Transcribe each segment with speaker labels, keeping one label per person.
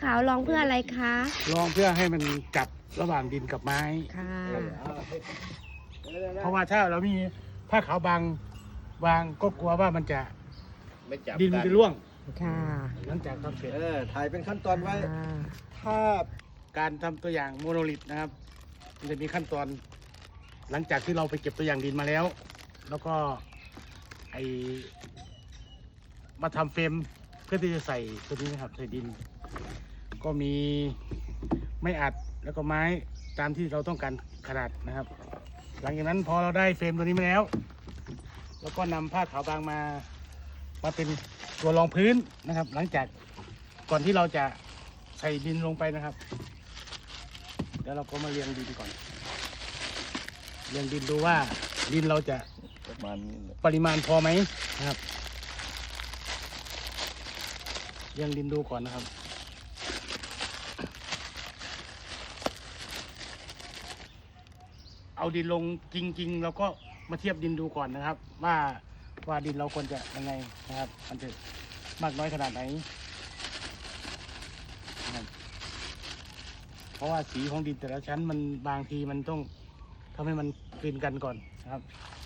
Speaker 1: าวรองเพื่ออะไรคะ
Speaker 2: รองเพื่อให้มันจับระหว่างดินกับไม้
Speaker 1: ค่ะ
Speaker 2: เพราะว่าถ้าเรามีผ้าขาวบางก็กลัวว่ามันจะดินมันจะร่วง
Speaker 1: ค่ะ
Speaker 2: หลังจากทำเสร็จ
Speaker 3: ถ่ายเป็นขั้นตอนไว้ถ้า
Speaker 2: การทำตัวอย่างโมโนลิทนะครับมันจะมีขั้นตอนหลังจากที่เราไปเก็บตัวอย่างดินมาแล้วแล้วก็มาทำเฟรมเพื่อที่จะใส่ตัวนี้นะครับใส่ดินก็มีไม้อัดแล้วก็ไม้ตามที่เราต้องการขนาดนะครับหลังจากนั้นพอเราได้เฟรมตัวนี้มาแล้วแล้วก็นำผ้าขาวบางมาเป็นตัวรองพื้นนะครับหลังจากก่อนที่เราจะใส่ดินลงไปนะครับเดี๋ยวเราก็มาเรียงดินก่อนเรียงดินดูว่าดินเราจะปริมาณพอไหมนะครับเรียงดินดูก่อนนะครับเอาดินลงจริงๆเราก็มาเทียบดินดูก่อนนะครับว่าดินเราควรจะยังไงนะครับมันจะมากน้อยขนาดไหนนะครับเพราะว่าสีของดินแต่ละชั้นมันบางทีมันต้องทำให้มันกลืนกันก่อนนะครับ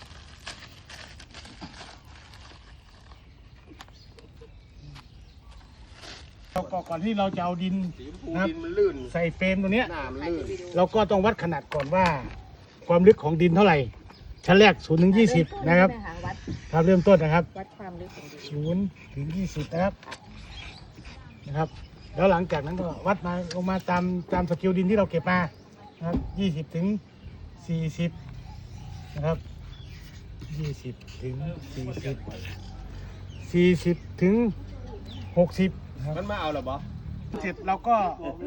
Speaker 2: ก่อนที่เราจะเอาดินนะครับใส่เฟรมตัวเนี้ยเราก็ต้องวัดขนาดก่อนว่าความลึกของดินเท่าไหร่ชั้นแรก0 ถึง 20นะครับครับเริ่มต้นนะครับ
Speaker 1: วัดความลึกของดิ
Speaker 2: 0
Speaker 1: น
Speaker 2: ถึง 20นะครับแล้วหลังจากนั้นก็วัดมาลงมาตามสกิลดินที่เราเก็บมานะครับ20 ถึง 40นะครับ20 ถึง 40 ถึง 60
Speaker 3: มันมาเอาหรอบอ
Speaker 2: เสร็จเราก็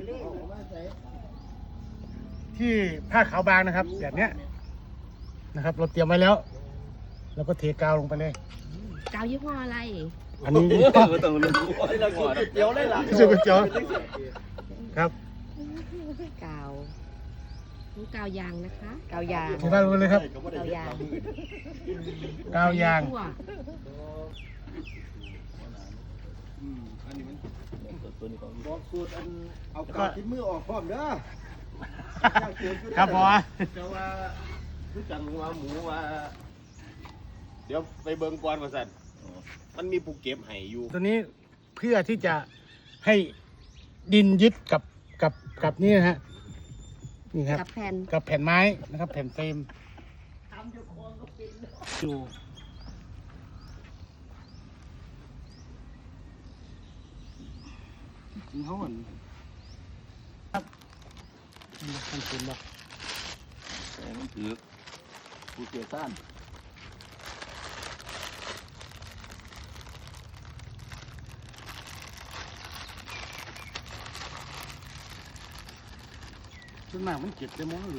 Speaker 2: ที่ผ้าขาวบางนะครับแบบเนี้ยนะครับเราเตรียมไว้แล้วเราก็เทกาวลงไปเลย
Speaker 1: กาวยี่ห้ออะไร
Speaker 2: อันนี้
Speaker 3: ต้องรู้เราสูตรเจียวได้หรอ
Speaker 2: สูตรเจียวครับ
Speaker 1: กาวนี่กาวยางนะคะกาวยาง
Speaker 2: ที่บ้านรู้เลยครับ
Speaker 1: กาวยาง
Speaker 2: กาวยาง
Speaker 3: บอกสูตรเอากาวที่มือออกพร้อมเด้อ
Speaker 2: ครับพอ
Speaker 3: แต่ว่าผู้จังว่าหมูว่าเดี๋ยวไปเบิ่งก่อนว่าสั่นมันมีผู้เก็บไห้อยู่
Speaker 2: ตัวนี้เพื่อที่จะให้ดินยึดกับนี่นะฮะนี่ครับกับแผ่นไม้นะครับแผ่นเฟรมอยู่เขาเหมือนครับมันเป็นแบบ
Speaker 3: มันถือผู้เกี่ยวซ่าน
Speaker 2: ส่วนมากมันเก็บได้มั้งหรือ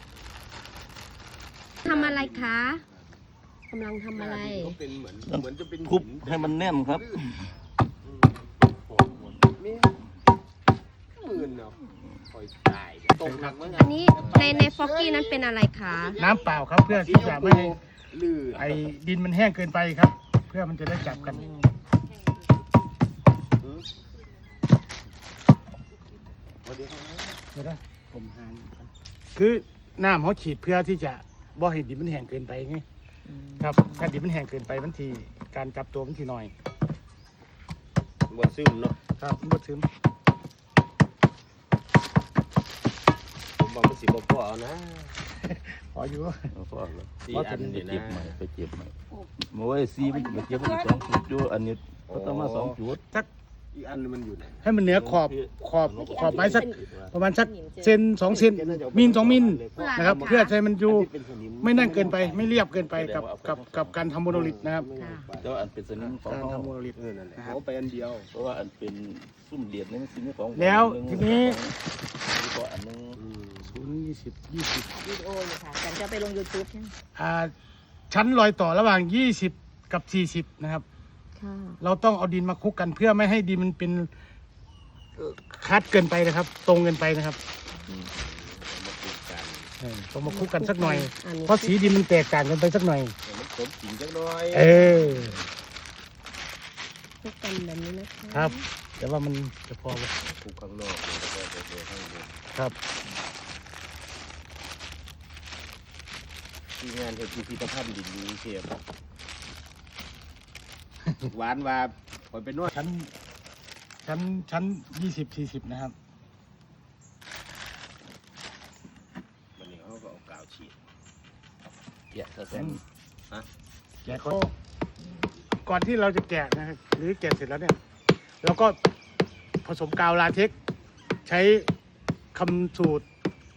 Speaker 1: ทำอะไรคะกำลังทำอะไร
Speaker 3: เป็นเหมือนจะเป็น
Speaker 4: คุบให้มันแน่นครับ
Speaker 1: อันนี้ในฟอกกี้นั้นเป็นอะไรคะ
Speaker 2: น้ำเปล่าครับเพื่อที่จะไม่ให้ดินมันแห้งเกินไปครับเพื่อมันจะได้จับกันเดี๋ยวนะผมหาคือน้ำเขาฉีดเพื่อที่จะบ่ให้ดินมันแห้งเกินไปไงครับถ้าดินมันแห้งเกินไปบางทีการจับตัวมันทีหน่อย
Speaker 3: บดซึมเนาะ
Speaker 2: ครับบดซึม
Speaker 3: ผมบอกมันสิบ่พอเอานะ
Speaker 2: พออยู่
Speaker 4: พอแล้วอันนี้เจ็บใหม่ไปเจ็บใหม่เมื่อวันซีมันเจ็บมัน2 จุดอยู่อันนี้ก็ต้องมา2 จุด
Speaker 3: อีกอันมันอยู่ไหน
Speaker 2: ให้มันเหนือขอบไม้สักประมาณสักเซน2 เซนมิล 2 มิลนะครับเพื่อให้มันอยู่ไม่นั่งเกินไปไม่เรียบเกินไปกับการทำโมโนลิทนะครับ
Speaker 4: แล้วอันเป็นสนิมของ
Speaker 2: การทำโมโนลิท
Speaker 3: เขาไปอันเดียว
Speaker 4: เพราะว่าอันเป็นซุ่มเดียดนี่มันสนิมของ
Speaker 2: แล้วทีนี้
Speaker 4: ก็อันนึง
Speaker 2: 0 20 20
Speaker 1: วิดีโอเลยค่ะฉันจะไปลง YouTube
Speaker 2: ชั้นรอยต่อระหว่าง20 กับ 40นะครับเราต้องเอาดินมาคลุกกันเพื่อไม่ให้ดินมันเป็นคัดเกินไปนะครับตรงเกินไปนะครับต้องมาคลุกกันสักหน่อยเพราะสีดินมันแตกต่างกันไปสักหน่อย
Speaker 3: มันสมจริงสักหน่อย
Speaker 1: คลุกกันแบบนี้นะคะ
Speaker 2: ครับแต่ว่ามันจะพอไหม
Speaker 3: ทุกข้างนอกแล้วก็เดินข้างบน
Speaker 2: ครับ
Speaker 3: ที่งานเห็นพิพิธภัณฑ์ดินยูเชียบหวานว่าคอยไปนวด
Speaker 2: ชั้น20-40นะครับ
Speaker 3: วันนี้เขาก็เอากาวฉีด
Speaker 4: แกะซะแซ่บ
Speaker 2: แกะเขาก่อนที่เราจะแกะนะครับหรือแกะเสร็จแล้วเนี่ยเราก็ผสมกาวลาเท็กซ์ใช้คำสูตร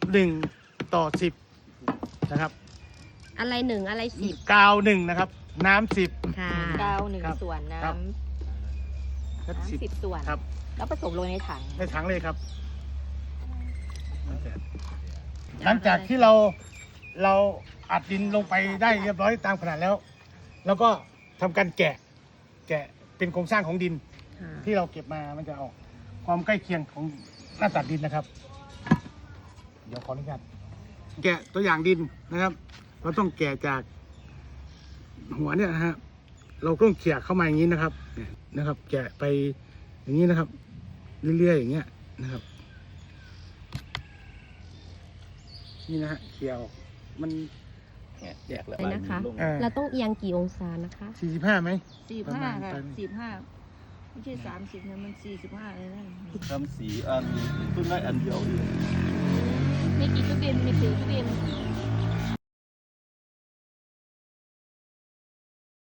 Speaker 2: 1:10นะครับ
Speaker 1: อะไรหนึ่งอะไรสิบ
Speaker 2: กาว1นะครับน้ำ10
Speaker 1: ค่ะ
Speaker 5: กาวหนึ่ง
Speaker 2: ครับ
Speaker 5: ส่วนน้
Speaker 2: ครับ
Speaker 5: ำ
Speaker 2: และ
Speaker 5: น้ำ10 ส่วน
Speaker 2: ครับ
Speaker 5: แล้วผสมลงในถัง
Speaker 2: ในถังเลยครับ หลังจากที่เราอัดดินลงไปได้เรียบร้อยตามขนาดแล้ว แล้วก็ทำการแกะเป็นโครงสร้างของดิน
Speaker 1: ค่ะ
Speaker 2: ที่เราเก็บมามันจะออกความใกล้เคียงของหน้าตัดดินนะครับ เดี๋ยวขออนุญาตแกะตัวอย่างดินนะครับ เราต้องแกะจากหัวเนี่ยนะฮะเราต้องเขี่ยเข้ามาอย่างนี้นะครับเนี่ยนะครับ แกะไปอย่างนี้นะครับ เรื่อยๆอย่างเงี้ยนะครับ นี่นะฮะเขี่ยออกมัน
Speaker 4: แยกแล้ว
Speaker 1: ไปนะคะ
Speaker 4: ลง
Speaker 1: เราต้องเอียงกี่องศานะคะ
Speaker 2: 45ไหม ประมาณ
Speaker 5: 45ค่ะ
Speaker 2: ประมาณ
Speaker 5: 45ไม่ใช่30นะมัน45เลยนะ
Speaker 4: ทำสีอันต้นได้อันเดียวอยู่
Speaker 5: มีกี่ตู้เย็นมี4ตู้เย็น